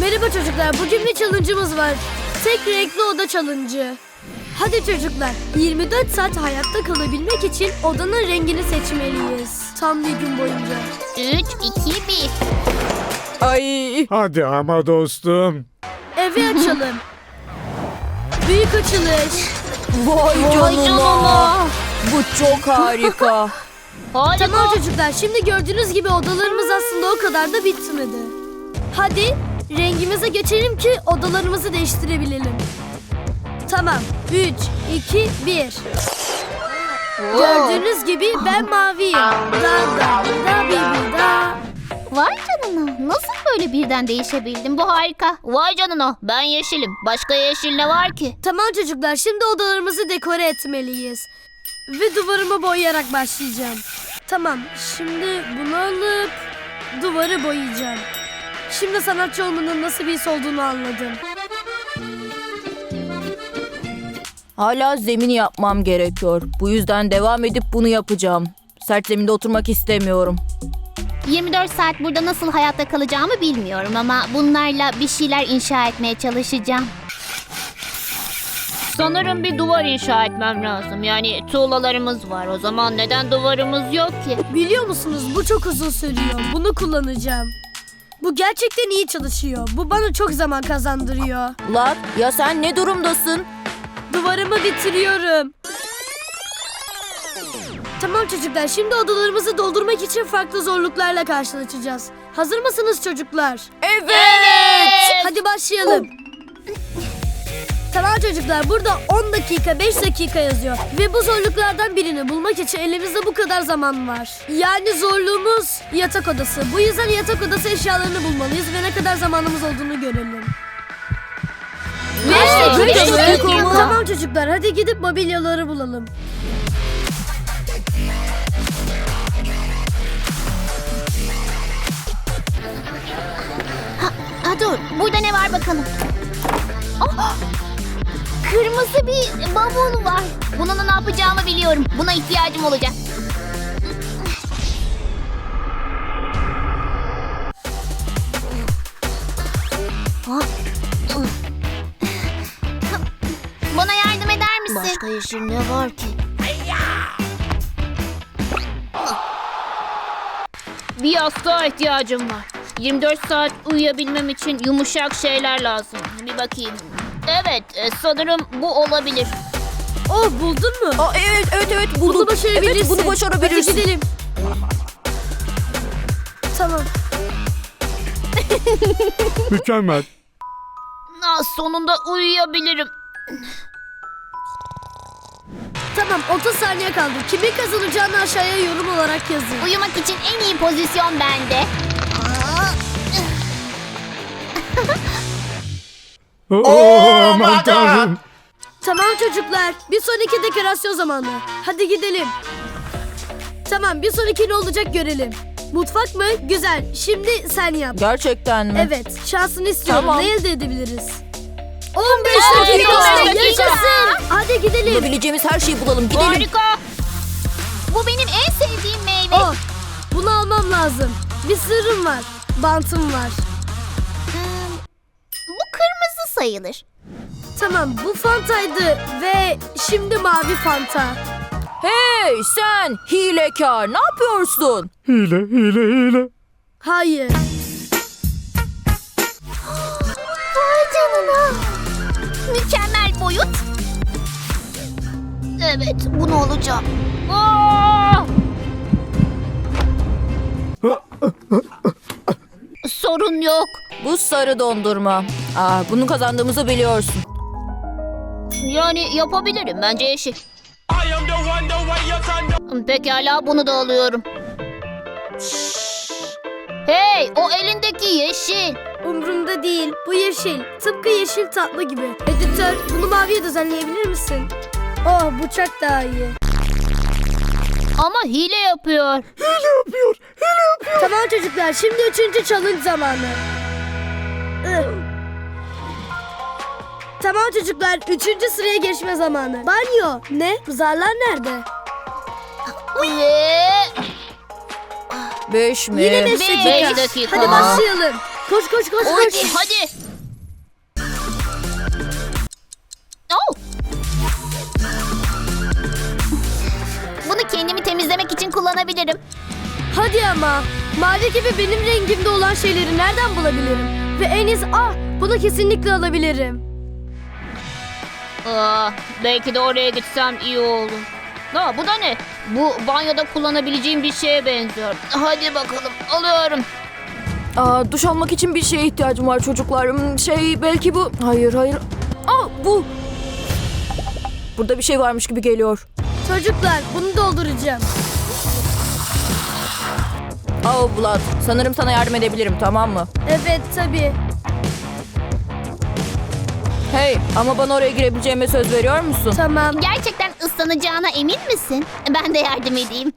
Merhaba çocuklar, bugün bir challenge'ımız var. Tek renkli oda challenge'ı. Hadi çocuklar, 24 saat hayatta kalabilmek için odanın rengini seçmeliyiz. Tam bir gün boyunca. 3, 2, 1. Ay. Hadi ama dostum. Evi açalım. Büyük açılış. Vay canına. Bu çok harika. Harika. Tamam çocuklar, şimdi gördüğünüz gibi odalarımız aslında o kadar da bitmedi. Hadi rengimize geçelim ki odalarımızı değiştirebilelim. Tamam, 3, 2, 1. Gördüğünüz gibi ben maviyim. Da. Vay canına. Nasıl böyle birden değişebildin? Bu harika. Vay canına. Ben yeşilim. Başka yeşil ne var ki? Tamam çocuklar, şimdi odalarımızı dekore etmeliyiz. Ve duvarımı boyayarak başlayacağım. Tamam, şimdi bunu alıp duvarı boyayacağım. Şimdi sanatçı olmanın nasıl bir his olduğunu anladım. Hala zemini yapmam gerekiyor. Bu yüzden devam edip bunu yapacağım. Sert zeminde oturmak istemiyorum. 24 saat burada nasıl hayatta kalacağımı bilmiyorum ama bunlarla bir şeyler inşa etmeye çalışacağım. Sanırım bir duvar inşa etmem lazım. Yani tuğlalarımız var. O zaman neden duvarımız yok ki? Biliyor musunuz, bu çok uzun sürüyor. Bunu kullanacağım. Bu gerçekten iyi çalışıyor. Bu bana çok zaman kazandırıyor. Lat, ya sen ne durumdasın? Duvarımı bitiriyorum. Tamam çocuklar, şimdi odalarımızı doldurmak için farklı zorluklarla karşılaşacağız. Hazır mısınız çocuklar? Evet. Hadi başlayalım. Tamam çocuklar, burada 10 dakika 5 dakika yazıyor. Ve bu zorluklardan birini bulmak için elimizde bu kadar zaman var. Yani zorluğumuz yatak odası. Bu yüzden yatak odası eşyalarını bulmalıyız ve ne kadar zamanımız olduğunu görelim. Aa, 5 beş dakika. dakika. Tamam çocuklar, hadi gidip mobilyaları bulalım. Ha dur. Burada ne var bakalım? Oh! Kırmızı bir bavul var. Bununla ne yapacağımı biliyorum. Buna ihtiyacım olacak. Bana yardım eder misin? Başka yeşil ne var ki? Bir yastığa ihtiyacım var. 24 saat uyuyabilmem için yumuşak şeyler lazım. Bir bakayım. Evet, sanırım bu olabilir. Oh, buldun mu? Aa, evet Bunu buldum. başarabilirsin. Evet, bunu başarabilirsin. Hadi gidelim. Tamam. Mükemmel. Sonunda uyuyabilirim. Tamam, 30 saniye kaldı. Kimin kazanacağını aşağıya yorum olarak yazın. Uyumak için en iyi pozisyon bende. Aman tanrım. Tamam çocuklar, bir sonraki dekorasyon zamanı. Hadi gidelim. Tamam, bir sonraki ne olacak görelim. Mutfak mı? Güzel. Şimdi sen yap. Gerçekten mi? Evet, şansını istiyorum. Tamam. Ne elde edebiliriz? 15 15 dakika. dakika. Yaşasın. Hadi gidelim. Bulabileceğimiz her şeyi bulalım. Gidelim. Harika. Bu benim en sevdiğim meyve. Oh, bunu almam lazım. Bir sırrım var. Bantım var. Bu kırmızı sayılır. Tamam, bu Fanta'ydı ve şimdi mavi Fanta. Hey sen hilekar, ne yapıyorsun? Hile. Hayır. Vay canına. Mükemmel boyut. Evet, bunu alacağım. Sorun yok. Bu sarı dondurma. Bunu kazandığımızı biliyorsun. Yani yapabilirim. Bence yeşil. Pekala, bunu da alıyorum. Hey, o elindeki yeşil. Umrumda değil. Bu yeşil. Tıpkı yeşil tatlı gibi. Editör, bunu maviye düzenleyebilir misin? Oh, bu çok daha iyi. Ama hile yapıyor. Tamam çocuklar, şimdi 3. challenge zamanı. Tamam çocuklar, 3. sıraya geçme zamanı. Banyo. Ne? Zarlar nerede? Ve 5 mi? Yine 5 Beş dakika. dakika. Hadi başlayalım. Koş koş koş Hadi, koş. hadi. Oh. Bunu kendimi temizlemek için kullanabilirim. Hadi ama. Mavi gibi benim rengimde olan şeyleri nereden bulabilirim? Ve en iyisi bunu kesinlikle alabilirim. Belki de oraya gitsem iyi olur. Bu da ne? Bu banyoda kullanabileceğim bir şeye benziyor. Hadi bakalım, alıyorum. Duş almak için bir şeye ihtiyacım var çocuklar. Belki bu. Hayır. Bu. Burada bir şey varmış gibi geliyor. Çocuklar bunu dolduracağım. Vlad, sanırım sana yardım edebilirim, tamam mı? Evet tabii. Hey, ama bana oraya girebileceğime söz veriyor musun? Tamam. Gerçekten ıslanacağına emin misin? Ben de yardım edeyim.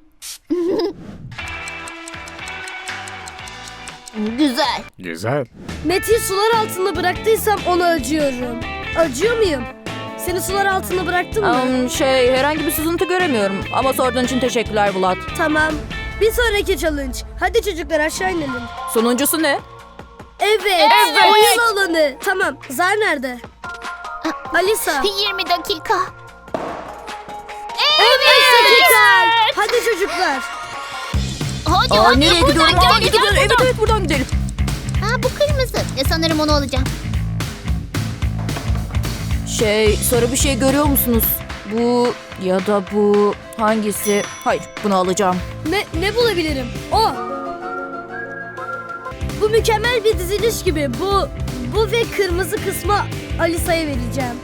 Güzel. Güzel. Mete'yi sular altında bıraktıysam ona acıyorum. Acıyor muyum? Seni sular altında bıraktım mı? Herhangi bir sızıntı göremiyorum. Ama sorduğun için teşekkürler Vlad. Tamam. Bir sonraki challenge. Hadi çocuklar aşağı inelim. Sonuncusu ne? Evet. Oyun alanı. Tamam. Zar nerede? Alisa. 20 dakika. Evet. Hadi çocuklar. Hadi Nereye buradan gidiyorum? gel, Gidiyorum. gel buradan. Evet, buradan gidelim. Bu kırmızı. Sanırım onu alacağım. Sarı bir şey görüyor musunuz? Bu ya da bu hangisi? Hayır, bunu alacağım. Ne bulabilirim? Bu mükemmel bir diziliş gibi. Bu ve kırmızı kısmı Alisa'ya vereceğim.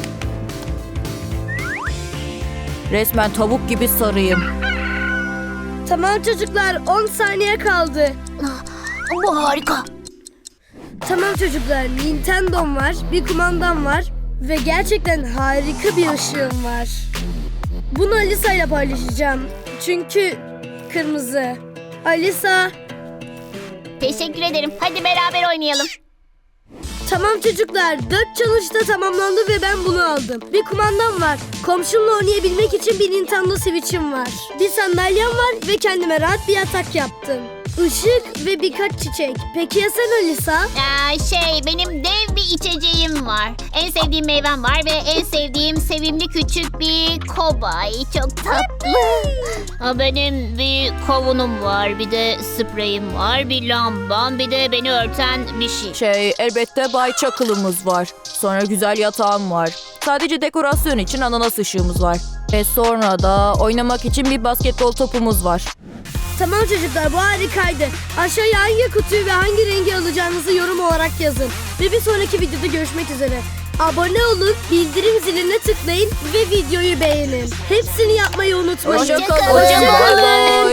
Resmen tavuk gibi sarıyım. Tamam çocuklar 10 saniye kaldı. Bu harika. Tamam çocuklar Nintendo'm var, bir kumandam var ve gerçekten harika bir ışığım var. Bunu Alisa ile paylaşacağım. Çünkü kırmızı. Alisa. Teşekkür ederim. Hadi beraber oynayalım. Tamam çocuklar 4 challenge da tamamlandı ve ben bunu aldım. Bir kumandam var. Komşumla oynayabilmek için bir Nintendo Switch'im var. Bir sandalyem var ve kendime rahat bir yatak yaptım. Işık ve birkaç çiçek. Peki ya sen Alisa? Benim dev bir içeceğim var. En sevdiğim meyvem var ve en sevdiğim sevimli küçük bir kobay. Çok tatlı. Benim bir kavunum var, bir de spreyim var, bir lambam, bir de beni örten bir şey. Elbette Bay Çakıl'ımız var. Sonra güzel yatağım var. Sadece dekorasyon için ananas ışığımız var. Ve sonra da oynamak için bir basketbol topumuz var. Tamam çocuklar bu harikaydı. Aşağıya hangi kutuyu ve hangi rengi alacağınızı yorum olarak yazın. Ve bir sonraki videoda görüşmek üzere. Abone olun, bildirim ziline tıklayın ve videoyu beğenin. Hepsini yapmayı unutmayın. Hoşça kalın. Hoşça kalın. Bye bye.